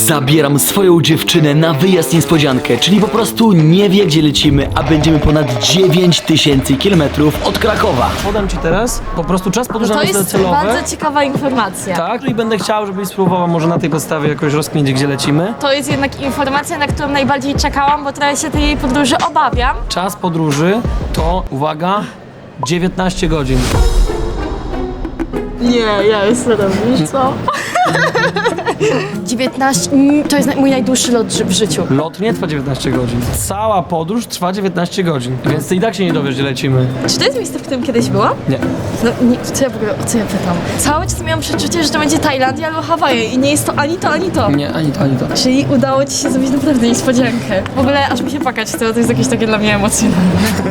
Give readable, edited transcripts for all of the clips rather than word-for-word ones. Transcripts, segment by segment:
Zabieram swoją dziewczynę na wyjazd niespodziankę, czyli po prostu nie wie, gdzie lecimy, a będziemy ponad 9000 km od Krakowa. Podam ci teraz po prostu czas podróży To na cele jest celowe. bardzo ciekawa informacja. Tak, i będę chciał, żebyś spróbował może na tej podstawie jakoś rozkminić, gdzie lecimy. To jest jednak informacja, na którą najbardziej czekałam, bo trochę się tej podróży obawiam. Czas podróży to, uwaga, 19 godzin. Nie, ja jestem robisz, co? 19, to jest mój najdłuższy lot w życiu. Lot nie trwa 19 godzin. Cała podróż trwa 19 godzin. Więc ty i tak się nie dowiesz, gdzie lecimy. Czy to jest miejsce, w którym kiedyś byłam? Nie. No, nie, co ja w ogóle, o co ja pytam? Cały czas miałam przeczucie, że to będzie Tajlandia albo Hawaje i nie jest to ani to, ani to. Nie, ani to, ani to. Czyli udało ci się zrobić naprawdę niespodziankę. W ogóle aż mi się płakać chce, bo to jest jakieś takie dla mnie emocjonalne.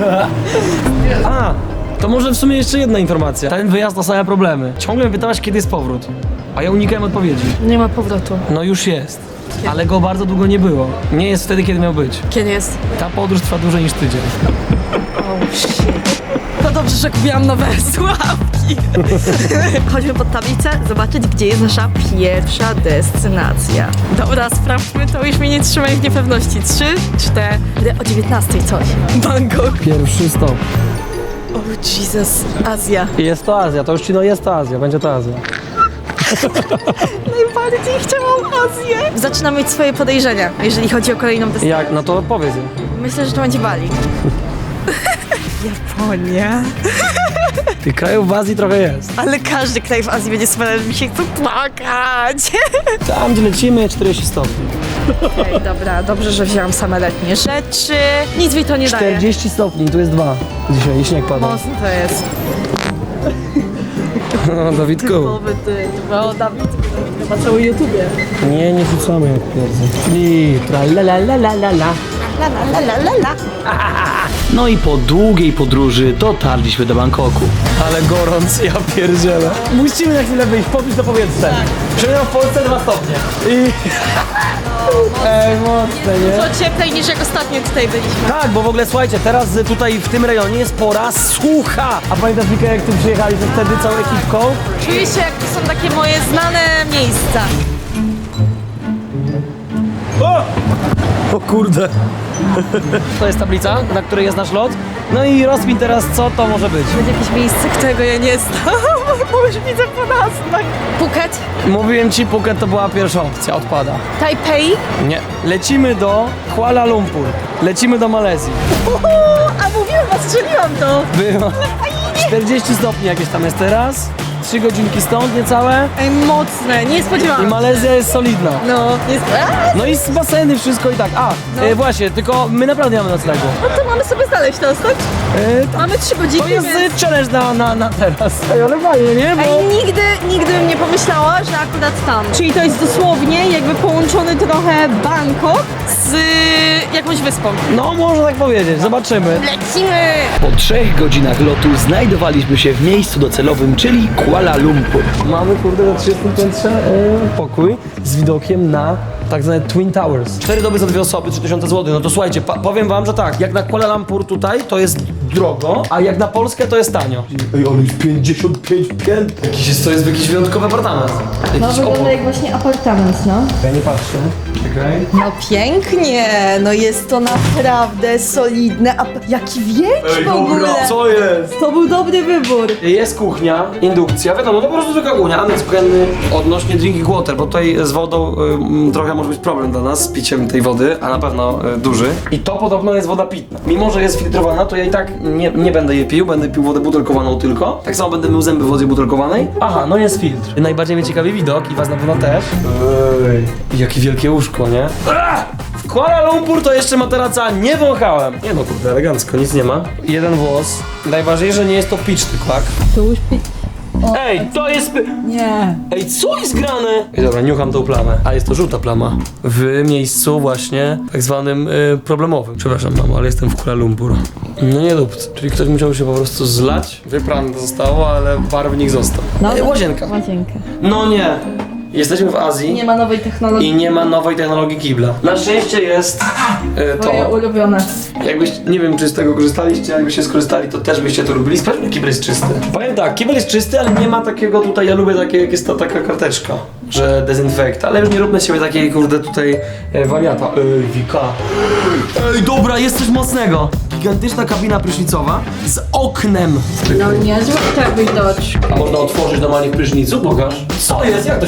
A, to może w sumie jeszcze jedna informacja. Ten wyjazd to same problemy. Ciągle mnie pytałaś, kiedy jest powrót. A ja unikałem odpowiedzi. Nie ma powrotu. No już jest. Ale go bardzo długo nie było. Nie jest wtedy, kiedy miał być. Kiedy jest? Ta podróż trwa dłużej niż tydzień. Oh shit. No dobrze, że kupiłam nowe słuchawki. Chodźmy pod tablicę, zobaczyć, gdzie jest nasza pierwsza destynacja. Dobra, sprawdźmy to, już mnie nie trzymaj w niepewności. 3, 4, o 19 coś. Bangkok. Pierwszy stop. Oh Jesus, Azja. Jest to Azja, to już ci jest to Azja, będzie to Azja. Najbardziej chciałam Azję. Zaczynam mieć swoje podejrzenia, jeżeli chodzi o kolejną destynację. Jak? No to powiedz. Myślę, że to będzie Bali. Japonia. Tych krajów w Azji trochę jest. Ale każdy kraj w Azji będzie wspaniały, mi się chce płakać. Tam, gdzie lecimy, 40 stopni. Okej, dobra, dobrze, że wzięłam same letnie rzeczy. Nic mi to nie daje. 40 stopni, tu jest 2. Dzisiaj i śnieg pada. Mocno to jest. No, Dawidku. Typowy ty, o Dawid, chyba cały YouTubie. Nie rzucamy jak pierwszy. I la la la la la la. La la la la la. No i po długiej podróży dotarliśmy do Bangkoku. Ale gorąc, ja pierdzielę. Musimy na chwilę wyjść, pobić do powietrza. Przemiał w Polsce 2 stopnie. I... Ej, mocne, nie? To cieplej niż jak ostatnio tutaj byliśmy. Tak, bo w ogóle słuchajcie, teraz tutaj w tym rejonie jest pora sucha. A pamiętasz, Wika, jak ty przyjechaliśmy wtedy całą ekipką? Czuję się, jak to są takie moje znane miejsca. O kurde. To jest tablica, na której jest nasz lot. No i rozkmin teraz, co to może być. Będzie jakieś miejsce, którego ja nie znam, bo już widzę po nazwach. Phuket, Mówiłem ci, Phuket to była pierwsza opcja, odpada. Tajpej. Nie. Lecimy do Kuala Lumpur. Lecimy do Malezji. A mówiłam, a strzeliłam to. Było 40 stopni jakieś tam jest teraz. 3 godzinki stąd, niecałe. Ej, mocne, nie I spodziewałam się. Malezja jest solidna. No, jest... No i z baseny wszystko i tak. Właśnie, tylko my naprawdę nie mamy noclegu. No to mamy sobie znaleźć teraz, tak? Mamy 3 godziny, To jest więc... challenge na teraz. Ej, ale fajnie, nie? Bo... Ej, nigdy bym nie pomyślała, że akurat tam. Czyli to jest dosłownie jakby połączony trochę Bangkok z jakąś wyspą. No, można tak powiedzieć, zobaczymy. Lecimy! Po 3 godzinach lotu znajdowaliśmy się w miejscu docelowym, czyli Kuala Lumpur. Mamy, kurde, na 30 piętrze pokój z widokiem na tak zwane Twin Towers. 4 doby za 2 osoby, 3000 zł. No to słuchajcie, powiem wam, że tak, jak na Kuala Lumpur tutaj to jest drogo, a jak na Polskę to jest tanio. Ej, ale jest 55 pięt. To jest jakiś wyjątkowy apartament. Jakiś obok. jak właśnie apartament, no. Ja nie patrzę. Czekaj. No pięknie, no jest to naprawdę solidne, a jaki wielki w ogóle. Co jest? To był dobry wybór. Jest kuchnia, indukcja, wiadomo, to po prostu zwykła kuchnia, aneks kuchenny odnośnie drinking water, bo tutaj z wodą trochę może być problem dla nas z piciem tej wody, a na pewno duży. I to podobno jest woda pitna. Mimo, że jest filtrowana, to ja i tak nie będę jej pił, będę pił wodę butelkowaną tylko. Tak samo będę mył zęby w wodzie butelkowanej. Aha, no jest filtr. Najbardziej mnie ciekawi widok i was na pewno też. Ej, jakie wielkie łóżko, nie? W Kuala Lumpur to jeszcze materaca nie wąchałem. Nie no, kurde, elegancko, nic nie ma. Jeden włos. Najważniejsze, że nie jest to pitch, tak? To już Ej, to jest... Nie. Ej, co jest grane? Ej, dobra, niucham tą plamę. A jest to żółta plama. W miejscu właśnie tak zwanym problemowym. Przepraszam, mamo, ale jestem w Kuala Lumpur. No nie dupc. Czyli ktoś musiał się po prostu zlać. Wyprane zostało, ale barwnik został. Łazienka. Łazienkę. No nie. Jesteśmy w Azji. Nie ma nowej technologii. I nie ma nowej technologii kibla. Na szczęście jest Moje to. ulubione. Jakbyś, nie wiem czy z tego korzystaliście, jakbyście skorzystali, to też byście to lubili. Sprawdźmy, kibel jest czysty. Powiem tak, kibel jest czysty, ale nie ma takiego tutaj, ja lubię takie, jak jest ta taka karteczka. że dezynfekt, ale już nie róbmy z siebie takiej, kurde, tutaj wariata. Wika. Ej, dobra, jest coś mocnego. Gigantyczna kabina prysznicowa z oknem. No niezłe tak widać. A można otworzyć normalnie w prysznicu? Pokaż. Co jest? Jak to się...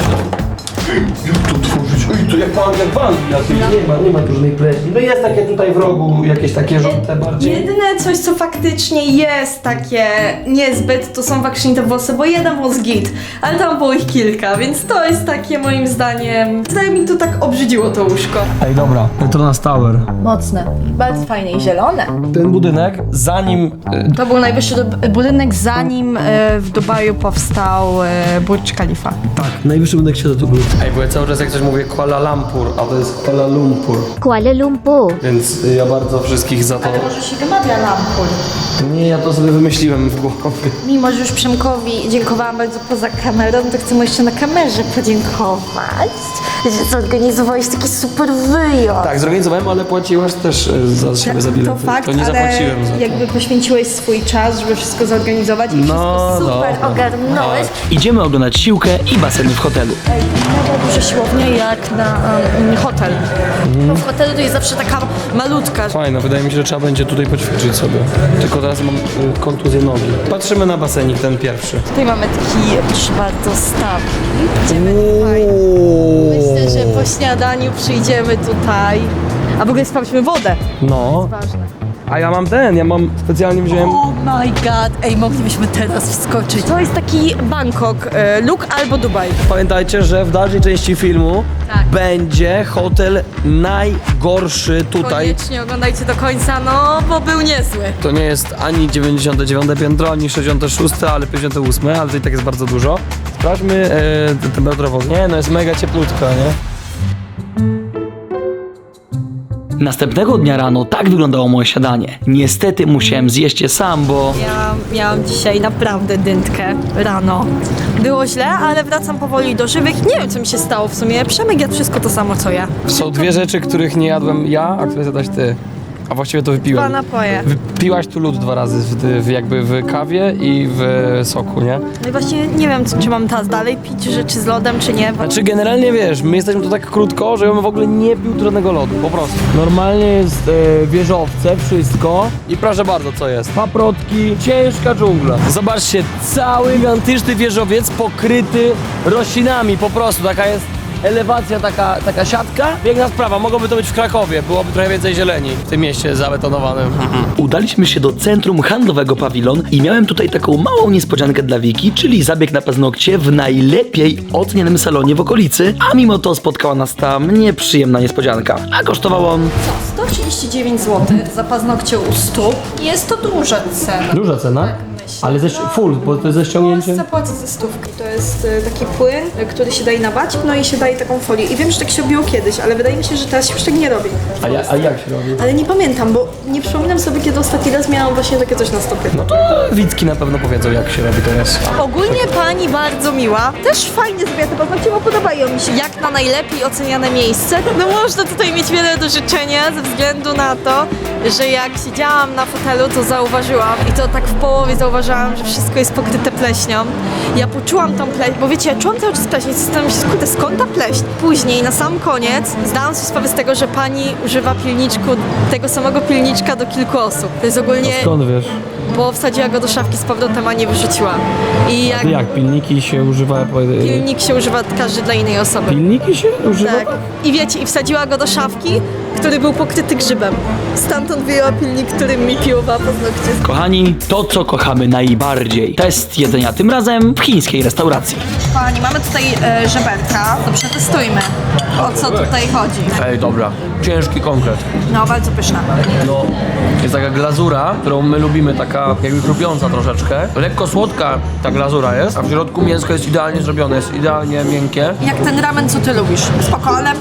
Jak to otworzyć? Ej, to jak w Anglii. Nie ma różnej pleśni. No jest takie tutaj w rogu, jakieś takie żółte bardziej. Jedyne coś, co faktycznie jest takie niezbyt, to są wakrzynite włosy, bo jeden włos git, ale tam było ich kilka, więc to jest takie moim zdaniem, zdaje mi to tak obrzydziło to łóżko. Ej, dobra. Petronas Tower. Mocne, bardzo fajne i zielone. Ten budynek, zanim... To był najwyższy budynek, zanim w Dubaju powstał Burj Khalifa. Tak, najwyższy budynek świata to był. Ej, bo ja cały czas jak coś mówię Kuala Lumpur, a to jest Kuala Lumpur. Kuala Lumpur. Więc ja bardzo wszystkich za to... Może się wymawia Lampur. Nie, ja to sobie wymyśliłem w głowie. Mimo, że już Przemkowi dziękowałam bardzo poza kamerą, to chcę mu jeszcze na kamerze podziękować, że zorganizowałeś taki super wyjazd. Tak, zorganizowałem, ale płaciłaś też za siebie za bilety. To fakt, to nie ale zapłaciłem za to. jakby poświęciłeś swój czas, żeby wszystko zorganizować i wszystko super dobra. ogarnąłeś. Idziemy oglądać siłkę i baseny w hotelu. Ej, mega duża siłownia jak na hotel. Bo w hotelu to jest zawsze taka malutka. Fajne, wydaje mi się, że trzeba będzie tutaj poćwiczyć sobie. Tylko teraz mam kontuzję nogi. Patrzymy na basenik, ten pierwszy. Tutaj mamy taki czwartostawki. Idziemy tutaj. Myślę, że po śniadaniu przyjdziemy tutaj. A w ogóle sprawdźmy wodę. No, Ważne. a ja mam specjalnie wziąłem... Oh my god, ej, moglibyśmy teraz wskoczyć. To jest taki Bangkok, Luk albo Dubaj. Pamiętajcie, że w dalszej części filmu Tak. będzie hotel najgorszy tutaj. Koniecznie oglądajcie do końca, no bo był niezły. To nie jest ani 99 piętro, ani 66, ale 58, ale to i tak jest bardzo dużo. Sprawdźmy temperaturę wody. Nie, no jest mega cieplutka, nie? Następnego dnia rano tak wyglądało moje śniadanie. Niestety musiałem zjeść je sam, bo... Ja miałam dzisiaj naprawdę dyntkę rano. Było źle, ale wracam powoli do żywych. Nie wiem, co mi się stało w sumie. Przemek jadł wszystko to samo, co ja. Są dwie rzeczy, których nie jadłem ja, a które zjadłaś ty. A właściwie to Dwa wypiłem. napoje. Wypiłaś tu lód 2 razy, jakby w kawie i w soku, nie? No i właśnie nie wiem, czy mam teraz dalej pić rzeczy z lodem, czy nie. Znaczy generalnie wiesz, my jesteśmy tu tak krótko, że ja bym w ogóle nie pił żadnego lodu, po prostu. Normalnie jest wieżowce, wszystko i proszę bardzo, co jest? Paprotki, ciężka dżungla. Zobaczcie, cały gigantyczny wieżowiec pokryty roślinami, po prostu, taka jest elewacja, taka siatka. Piękna sprawa, mogłoby to być w Krakowie, byłoby trochę więcej zieleni w tym mieście zabetonowanym. Udaliśmy się do centrum handlowego Pawilon i miałem tutaj taką małą niespodziankę dla Wiki, czyli zabieg na paznokcie w najlepiej ocenianym salonie w okolicy, a mimo to spotkała nas tam nieprzyjemna niespodzianka. A kosztował on... 139 zł za paznokcie u stóp. Jest to duża cena. Duża cena? Ale full, bo to jest ze ściągnięciem. Zapłacę ze stówki. To jest taki płyn, który się daje na bacik, no i się daje taką folię. I wiem, że tak się robiło kiedyś, ale wydaje mi się, że teraz się już tak nie robi. A jak się robi? Ale nie pamiętam, bo nie przypominam sobie, kiedy ostatni raz miałam właśnie takie coś na stopie. No to Wicki na pewno powiedzą, jak się robi teraz. Ogólnie pani bardzo miła. Też fajnie zrobiła te paznokcie, bo podobają mi się. Jak na najlepiej oceniane miejsce. No można tutaj mieć wiele do życzenia ze względu na to, że jak siedziałam na fotelu, to zauważyłam i to tak w połowie zauważyłam, że wszystko jest pokryte pleśnią. Ja poczułam tą pleśń, bo wiecie, ja czułam cały czas pleśń i zastanawiam się, kurde, skąd ta pleśń? Później, na sam koniec, zdałam sobie sprawę z tego, że pani używa pilniczku, tego samego pilniczka do kilku osób. To jest ogólnie, Skąd wiesz? bo wsadziła go do szafki z powrotem, a nie wyrzuciła. I jak Jak pilniki się używa? pilnik się używa każdy dla innej osoby. Pilniki się używa? Tak. I wiecie, i wsadziła go do szafki, który był pokryty grzybem. Stamtąd wyjęła pilnik, którym mi piłowała paznokcie. Kochani, to co kochamy najbardziej. Test jedzenia, tym razem w chińskiej restauracji. Kochani, mamy tutaj żeberka, to przetestujmy, o co tutaj chodzi. Ej, dobra. Ciężki konkret. No, bardzo pyszna. No, jest taka glazura, którą my lubimy, taka jakby chrupiąca troszeczkę. Lekko słodka ta glazura jest, a w środku mięsko jest idealnie zrobione, jest idealnie miękkie. Jak ten ramen, co ty lubisz. Spoko, ale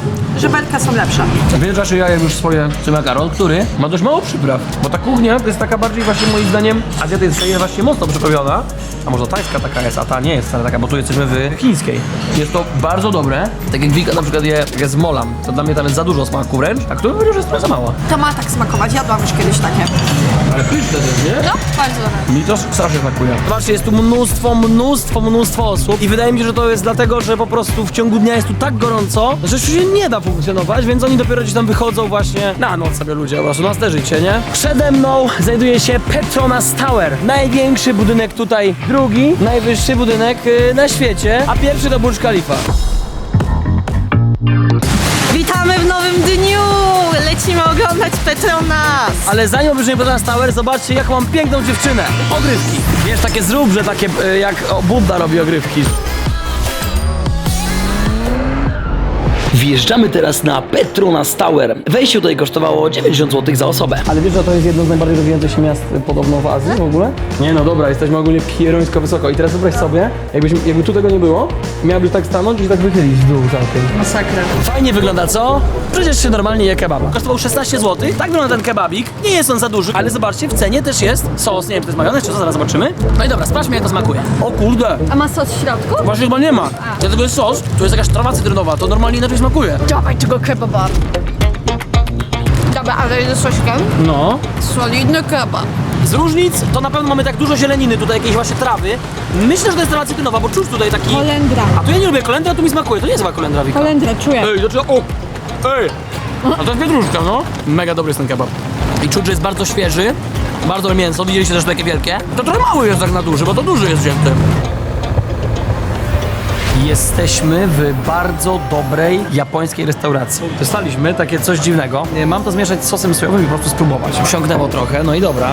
żeberka są lepsze. Wiesz, że ja jem już swoje makaron, który ma dość mało przypraw. Bo ta kuchnia to jest taka bardziej właśnie moim zdaniem azjatycka jest właśnie mocno przyprawiona. A może tajska taka jest, a ta nie jest wcale taka, bo tu jesteśmy w chińskiej. Jest to bardzo dobre. Tak jak Wika na przykład je z molam, to dla mnie tam jest za dużo smaku wręcz, a który powiedział, że jest trochę za mało. To ma tak smakować, jadłam już kiedyś takie. Ale pyszne też, nie? No, bardzo dobre. Mi to strasznie smakuje. Zobaczcie, jest tu mnóstwo osób i wydaje mi się, że to jest dlatego, że po prostu w ciągu dnia jest tu tak gorąco, że już się nie da funkcjonować, więc oni dopiero gdzieś tam wychodzą właśnie na noc sobie ludzie, po prostu na te życie, nie? Przede mną znajduje się Petronas Tower, największy budynek tutaj, drugi najwyższy budynek na świecie, a pierwszy to Burj Khalifa. Witamy w nowym dniu! Lecimy oglądać Petronas! Ale zanim obejrzymy Petronas Tower, zobaczcie jaką mam piękną dziewczynę. Ogrywki. Wiesz, takie zrób, że takie jak Budda robi ogrywki. Wjeżdżamy teraz na Petronas Tower. Wejście tutaj kosztowało 90 zł za osobę. Ale wiesz, że to jest jedno z najbardziej rozwijających się miast podobno w Azji w ogóle? Nie no dobra, jesteśmy ogólnie pierońsko wysoko i teraz wyobraź sobie, jakby tu tego nie było, miałbyś tak stanąć i się tak wychylić w dół całkiem. Masakra. Fajnie wygląda, co? Przecież się normalnie je kebaba. Kosztował 16 zł, tak wygląda ten kebabik. Nie jest on za duży, ale zobaczcie, w cenie też jest sos, nie wiem, czy to jest majonez, czy co, zaraz zobaczymy. No i dobra, sprawdźmy jak to smakuje. O kurde, A ma sos w środku? właśnie chyba nie ma. Dlatego jest sos, tu jest jakaś trawa cytrynowa, to normalnie inaczej smakuje. Dawaj tego kebaba. Dobra, ale ze sosikiem? No. Solidny kebab. Z różnic to na pewno mamy tak dużo zieleniny, tutaj jakieś właśnie trawy. Myślę, że to jest trawa cytrynowa, bo czuć tutaj taki... Kolendra. A to ja nie lubię kolendry, a tu mi smakuje. To nie jest chyba kolendra, Wika. Kolendra, czuję. Ej, dlaczego? O! Ej! A to jest pietruszka, no. Mega dobry jest ten kebab. I czuć, że jest bardzo świeży. Bardzo dobre mięso, widzieliście też takie wielkie. To trochę mały jest tak na duży, bo to duży jest wzięty. Jesteśmy w bardzo dobrej japońskiej restauracji. Dostaliśmy takie coś dziwnego. Mam to zmieszać z sosem sojowym i po prostu spróbować. Wsiągnęło trochę, no i dobra.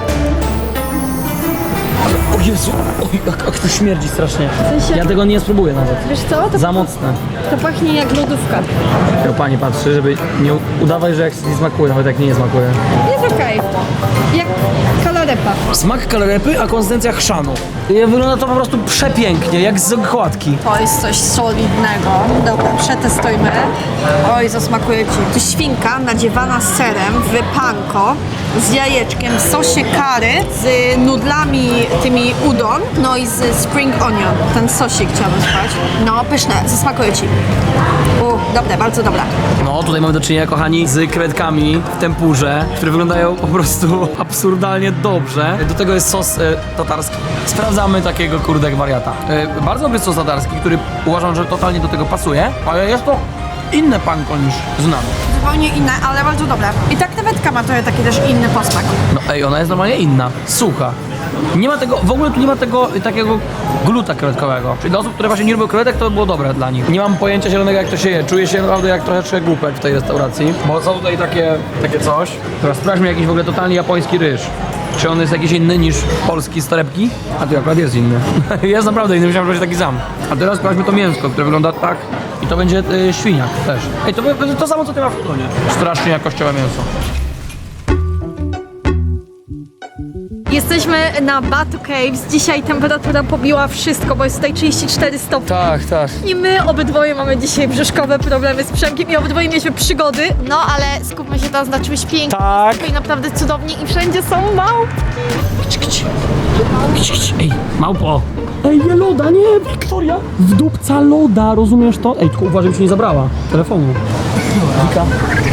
Ale, o Jezu, oj, jak to śmierdzi strasznie. sensie- Ja tego nie spróbuję nawet. Wiesz co? To, Za mocne. to pachnie jak lodówka. Ja pani patrzy, żeby nie udawać, że jak nie smakuje, nawet jak nie smakuje. Jest okej. Jak kalarepa. Smak kalarepy, a konsystencja chrzanu. Wygląda to po prostu przepięknie, jak z okładki. To jest coś solidnego. Dobra, przetestujmy. Oj, zasmakuje ci. To świnka nadziewana serem w panko z jajeczkiem w sosie curry, z nudlami tymi udon, no i z spring onion. Ten sosik chciałabym spać. No, pyszne, zasmakuje ci. Dobre, bardzo dobre. No, tutaj mamy do czynienia, kochani, z krewetkami w tempurze, które wyglądają po prostu absurdalnie dobrze. Do tego jest sos tatarski. Sprawdzamy takiego kurde wariata. Bardzo dobry sos tatarski, który uważam, że totalnie do tego pasuje, ale jest to inne panko niż znamy. Zupełnie inne, ale bardzo dobre. I ta krewetka ma trochę taki też inny posmak. No ej, ona jest normalnie inna, sucha. Nie ma tego, w ogóle tu nie ma tego takiego gluta krewetkowego. Czyli dla osób, które właśnie nie lubią krewetek, to było dobre dla nich. Nie mam pojęcia zielonego, jak to się je. Czuję się naprawdę jak troszeczkę głupek w tej restauracji. Bo są tutaj takie coś. Teraz sprawdźmy jakiś w ogóle totalnie japoński ryż. Czy on jest jakiś inny niż polski z torebki? A tu akurat jest inny. Jest naprawdę inny, myślałem, że będzie taki sam. A teraz sprawdźmy to mięsko, które wygląda tak. I to będzie świniak też. Ej, to będzie to samo, co ty masz w Plutonie. Strasznie jakościowe mięso. Jesteśmy na Batu Caves. Dzisiaj temperatura pobiła wszystko, bo jest tutaj 34 stopni. Tak, tak. I my obydwoje mamy dzisiaj brzuszkowe problemy z Przemkiem i obydwoje mieliśmy przygody. No ale skupmy się teraz na czymś pięknym. Tak. Tutaj naprawdę cudownie i wszędzie są małpki. Ej, małpo! Ej, nie loda, nie, Wiktoria! Wdupca loda, rozumiesz to? Ej, tylko uważaj, się nie zabrała telefonu. Wika.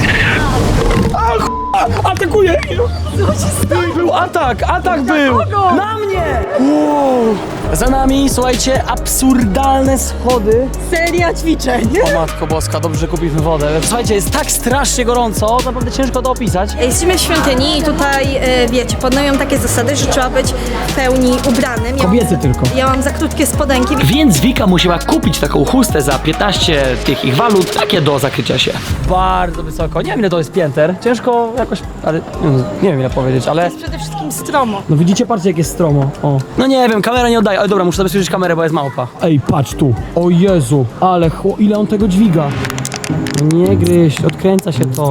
Atakuje! Był atak był! Na mnie! Wow. Za nami, słuchajcie, absurdalne schody. Seria ćwiczeń. O matko boska, dobrze, że kupiliśmy wodę. Słuchajcie, jest tak strasznie gorąco, naprawdę ciężko to opisać. Jesteśmy w świątyni i tutaj, wiecie, panują takie zasady, że trzeba być w pełni ubranym. Kobiety tylko. Ja mam za krótkie spodenki. Więc Wika musiała kupić taką chustę za 15 tych ich walut, takie do zakrycia się. Bardzo wysoko, nie wiem ile to jest pięter. Ciężko jakoś, ale nie wiem ile powiedzieć, ale... Przede wszystkim stromo. No widzicie, patrzcie jak jest stromo, o. No nie wiem, kamera nie oddaje, ale dobra, muszę zabezpieczyć kamerę, bo jest małpa. Ej, patrz tu, o Jezu, ale ile on tego dźwiga. Nie gryź, odkręca się to.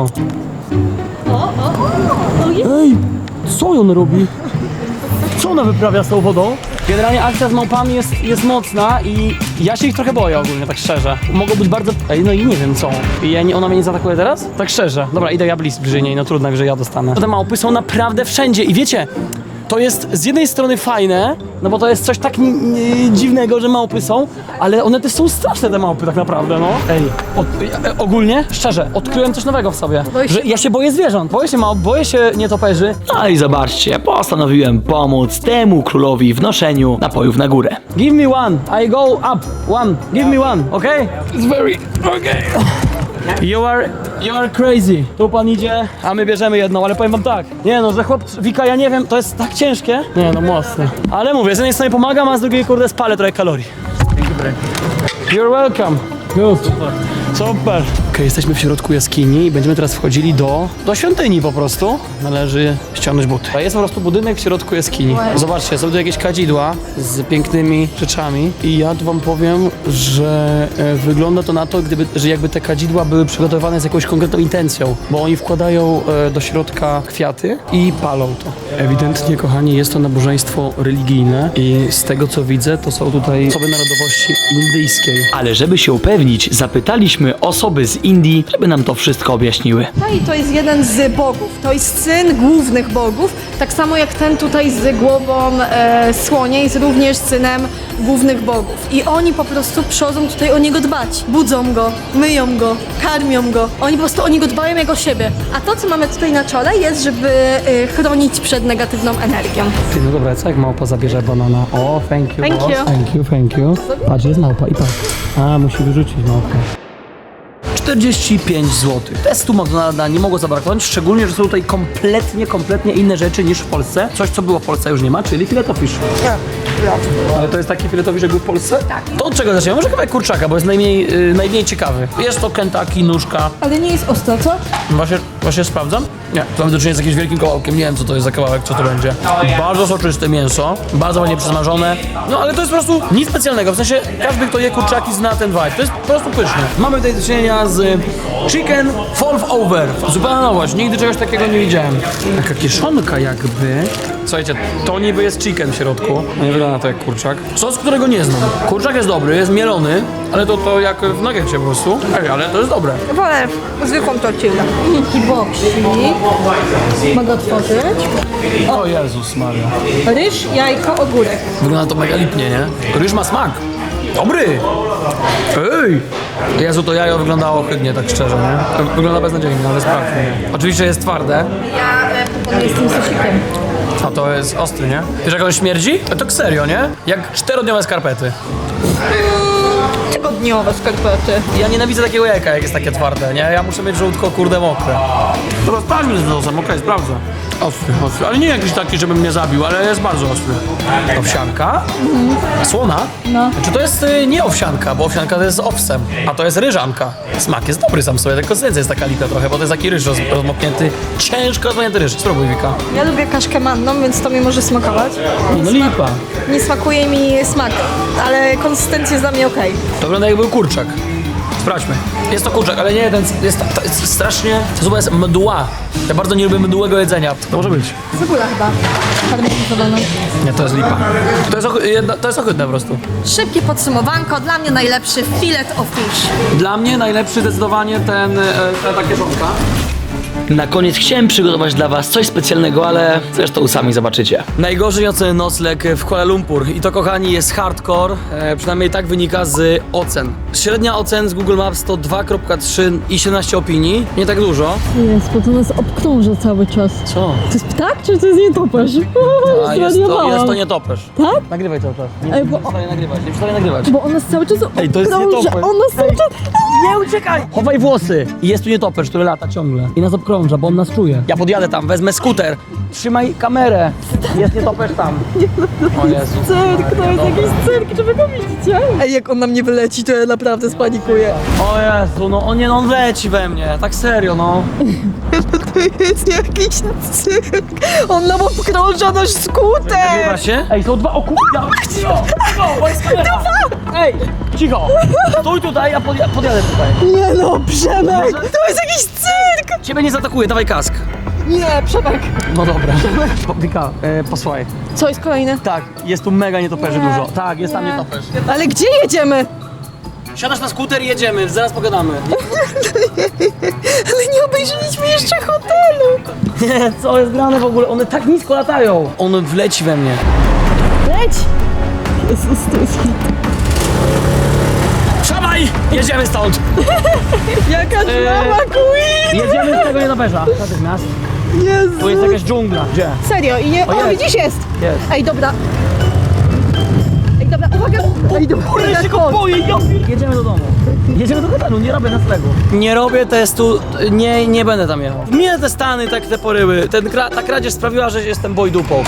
Ej, co on robi? Co ona wyprawia z tą wodą? Generalnie akcja z małpami jest mocna i ja się ich trochę boję ogólnie, tak szczerze. Mogą być bardzo... Ej, no i nie wiem co. Ona mnie nie zaatakuje teraz? Tak szczerze. Dobra, idę ja bliżej niej, no trudno, że ja dostanę. Te małpy są naprawdę wszędzie i wiecie... To jest z jednej strony fajne, no bo to jest coś tak dziwnego, że małpy są, ale one też są straszne, te małpy tak naprawdę, no. Ej, ogólnie, szczerze, odkryłem coś nowego w sobie, że ja się boję zwierząt, boję się małp, boję się nietoperzy. No i zobaczcie, postanowiłem pomóc temu królowi w noszeniu napojów na górę. Give me one, I go up, one, give me one, okay? It's very, okay. You are crazy. Tu pan idzie, a my bierzemy jedną, ale powiem wam tak. Nie no, że Wika, ja nie wiem, to jest tak ciężkie. Nie no, mocne. Ale mówię, z jednej strony pomagam, a z drugiej kurde spalę trochę kalorii. You're welcome. Good. Super. Okej, jesteśmy w środku jaskini i będziemy teraz wchodzili do świątyni po prostu. Należy ściągnąć buty. A jest po prostu budynek w środku jaskini. Zobaczcie, są tu jakieś kadzidła z pięknymi rzeczami i ja tu wam powiem, że wygląda to na to, że jakby te kadzidła były przygotowane z jakąś konkretną intencją, bo oni wkładają do środka kwiaty i palą to. Ewidentnie, kochani, jest to nabożeństwo religijne i z tego co widzę, to są tutaj osoby narodowości indyjskiej. Ale żeby się upewnić, zapytaliśmy osoby z Indii, żeby nam to wszystko objaśniły. No i to jest jeden z bogów, to jest syn głównych bogów, tak samo jak ten tutaj z głową słonia jest również synem głównych bogów. I oni po prostu przychodzą tutaj o niego dbać. Budzą go, myją go, karmią go. Oni po prostu o niego dbają jak o siebie. A to, co mamy tutaj na czole, jest, żeby chronić przed negatywną energią. Ty, no dobra, co jak małpa zabierze banana? O, thank you. Thank boss. you. Thank you. Patrz, jest małpa i patrz. A, musi wyrzucić małpę. 45 zł. Testu McDonalda nie mogło zabraknąć, szczególnie, że są tutaj kompletnie inne rzeczy niż w Polsce. Coś, co było w Polsce, już nie ma, czyli filetofisz. Ale to jest taki filetofisz, jak był w Polsce? Tak. To od czego zaczniemy? Może kawałek kurczaka, bo jest najmniej ciekawy. Jest to Kentucky, nóżka. Ale nie jest ostra, co? Właśnie sprawdzam? Nie. To mamy do czynienia z jakimś wielkim kawałkiem, nie wiem co to jest za kawałek, co to będzie. Bardzo soczyste mięso, bardzo ładnie przesmażone. No ale to jest po prostu nic specjalnego, w sensie każdy, kto je kurczaki, zna ten vibe. To jest po prostu pyszne. Mamy tutaj do czynienia z chicken fall over. Zupełna nowość, nigdy czegoś takiego nie widziałem. Taka kieszonka jakby. Słuchajcie, to niby jest chicken w środku. Nie wygląda to jak kurczak. Sos, którego nie znam. Kurczak jest dobry, jest mielony, ale to jak w nuggecie po prostu. Ej, ale to jest dobre. Wolę zwykłą tortillę. Kiboksi. Mogę otworzyć. O Jezus Maria. Ryż, jajko, ogórek. Wygląda to mega lipnie, nie? Ryż ma smak. Dobry! Ej! Jezu, to jajo wyglądało ohydnie, tak szczerze, nie? Wygląda beznadziejnie, ale sprawdźmy. Oczywiście jest twarde. Ja proponuję z tym sosikiem. A to jest ostry, nie? Wiesz jak on śmierdzi? A tak serio, nie? Jak 4-dniowe skarpety. Tygodniowe skarpety. Ja nienawidzę takiego jajka, jak jest takie twarde, nie? Ja muszę mieć żółtko, kurde, mokre. Dobra, sprawdźmy z nosem, okej, sprawdzę. Ostry, ale nie jakiś taki, żeby mnie zabił, ale jest bardzo ostry. Owsianka? Słona? No. Czy to jest nie owsianka, bo owsianka to jest z owsem, a to jest ryżanka. Smak jest dobry sam sobie, tylko konsystencja jest taka lipna trochę, bo to jest taki ryż rozmoknięty, ciężko rozmoknięty ryż. Spróbuj, Wika. Ja lubię kaszkę manną, więc to mi może smakować. No lipa. Nie smakuje mi smak, ale konsystencja jest dla mnie okej. To wygląda jakby był kurczak. Sprawdźmy. Jest to kurczak, ale nie, to jest strasznie... To zupa jest mdła. Ja bardzo nie lubię mdłego jedzenia. To może być. Cebula chyba. Parmezanowana. Nie, to jest lipa. To jest ohydne po prostu. Szybkie podsumowanko. Dla mnie najlepszy filet of fish. Dla mnie najlepszy zdecydowanie ta kieszonka. Na koniec chciałem przygotować dla was coś specjalnego, ale zresztą sami zobaczycie. Najgorzej oceny nocleg w Kuala Lumpur i to, kochani, jest hardcore, przynajmniej tak wynika z ocen. Średnia ocen z Google Maps to 2,3 i 17 opinii, nie tak dużo. Jest, bo to nas obkrąża cały czas. Co? To jest ptak, czy to jest nietoperz? A jest to nietoperz. Tak? Nagrywaj cały czas. Nie Ej, bo- przestaję nagrywać, nie przestaję nagrywać. Bo on nas cały czas Ej, to jest obkrąża. nietoperz. On nas cały czas... Nie uciekaj! Chowaj włosy! I jest tu nietoperz, który lata ciągle i nas obkrąża, bo on nas czuje. Ja podjadę tam, wezmę skuter. Trzymaj kamerę. Jest nietoperz tam. O Jezu. Cyrk, to jest jakiś cyrk, czy wy go widzicie? Ej, jak on na mnie wyleci, to ja naprawdę spanikuję. O Jezu, no on leci we mnie, tak serio, no. To jest jakiś cyrk. On nam obkrąża nasz skuter. Nagrywa się? Ej, są dwa, o kurwa! Bo jest kamera! Ej, cicho! Stój tutaj, ja podjadę tutaj. Nie no, Przemek! To jest jakiś cyrk! Ciebie nie zaatakuje, dawaj kask. Nie, Przemek! No dobra. Wika, posłuchaj. Co jest kolejne? Tak, jest tu mega nietoperzy Nie. dużo. Tak, jest tam Nie. nietoperz. Ale gdzie jedziemy? Siadasz na skuter i jedziemy, zaraz pogadamy. Ale nie obejrzeliśmy jeszcze hotelu! Nie, co jest grane w ogóle? One tak nisko latają. On wleci we mnie. Leć! Jezus, to jest hit. Wsiadaj! Jedziemy stąd! Jaka drama queen! Jedziemy z tego nietoperza. Natychmiast. Jezu! Tu jest jakaś dżungla. Gdzie? Serio, i nie... O, jest. widzisz, jest! Jest. Ej, dobra. Ej, dobra, uwaga! Ej, dobra, Kurde, ja się go boję, Jedziemy do domu. Jedziemy do hotelu, nie robię noclegu. Nie robię testu, nie będę tam jechał. Mnie te Stany, tak te poryły, ta kradzież sprawiła, że jestem bojdupą.